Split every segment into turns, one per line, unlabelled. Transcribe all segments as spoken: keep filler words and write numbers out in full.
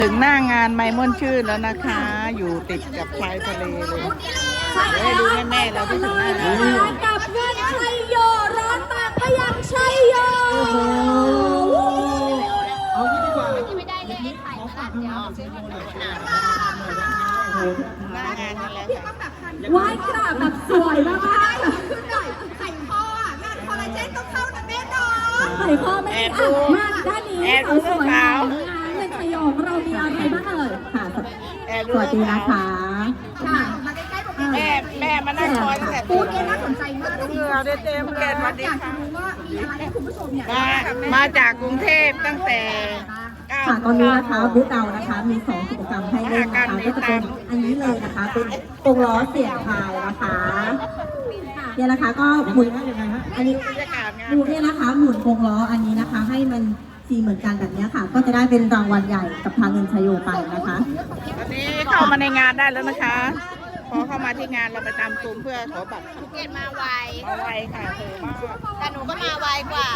ถึงหน้างานไมม่วนชื่นแล้วนะคะ อยู่ติดกับชายทะเลเลยเดี๋ยวให้ดูแม่ๆเราที่ถึงหน้างาน
กับเงินชัยโยร้อนปากพยังชัยโย
เอางี้ดีกว่า
ไม่ได้เลยไอ้ไข่มาเดี๋ยวซื้อมาหน่อย
หน้างานนั่นแหละค่ะ
ไหว้กราบแบบสวยมาก
ขึ้นหน่อยไข่พ่ออ่ะงานคอลลาเจนต้องเข้านะแม่เนาะ
ๆไข่พ่อไม่ได้อ่ะมาด้านนี้สวยๆงานเงินชัยโยของเรามีอะไรบ้างเอ่ยค่ะสวัสดีนะคะค่ะ
มาใกล้ๆผม
แม่แม่มานั่งคอยตั้งแต่
พูดเนี่ยน่าสนใจมาก
เหงื่อเต็มๆเลยสวัสดี
อยากจะ
ค่ะ
รู้ว่ามีอะไรให้คุณผู้ชมเนี่ย
มามาจากกรุงเทพตั้งแต่เก้า
ค่ะตอนนี้นะคะบูธเรานะคะมีสองกิจกรรมให้เล่นนะคะก็จะเป็นอันนี้เลยนะคะเป็นกงล้อเสียงทายนะคะเนี่ยนะคะก็หมุนอันนี้
บรรยากาศงาน
ดูเนี่ยนะคะหมุนกงล้ออันนี้นะคะ ให้มันสีเหมือนกันแบบนี้ค่ะ ก็จะได้เป็นรางวัลใหญ่กับทางเงินชัยโยไปนะคะ
ตอนนี้เข้ามาในงานได้แล้วนะคะ พอเข้ามาที่งานเราไปตามซูมเพื่อขอบัตร
ภูเก็ตมาไว
มาไวค่ะเธอมาก
แต่หนูก็มาไวกว่า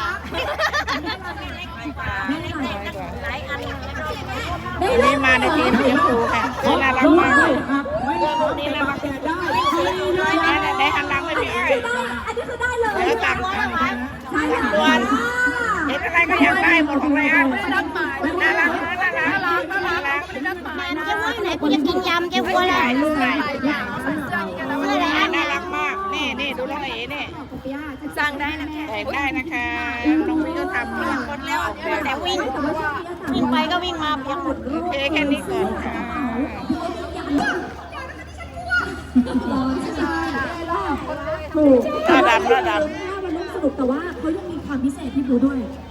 หลายอัน
วันนี้มาในทีมสีชมพูค่ะน่ารักมากเลยเรื่องรูปนี้น่ารักที่สุดได้ได้หันหลังไม่มีใคร
อันนี้คือได้เลย
แล้วต่างกัน
ใช่ค่ะ
ส่วนเห็นอะไรก็อยากได้หมดของไรอันน่ารักน่ารักน่ารักน่ารัก
เจ้าว่าไหนกูจะกินยำเจ้าวัว
ถ่าย
อะไร
รูปถ่ายรูปน่ารักมากนี่นี่ดูน้องเอ๋นี่
สั่งได้นะ
แต่งได้นะคะน้องวิก็ทำหมดแล้ว
แต่วิ่ง วิ่งไปก็วิ่งมาเพียงหมด
โอเคแค่นี้ก่อนค่ะ
ถูก
หน้าดำหน้าด
มันสนุกแต่ว่าเขายังมีความพิเศษที่ดูด้วย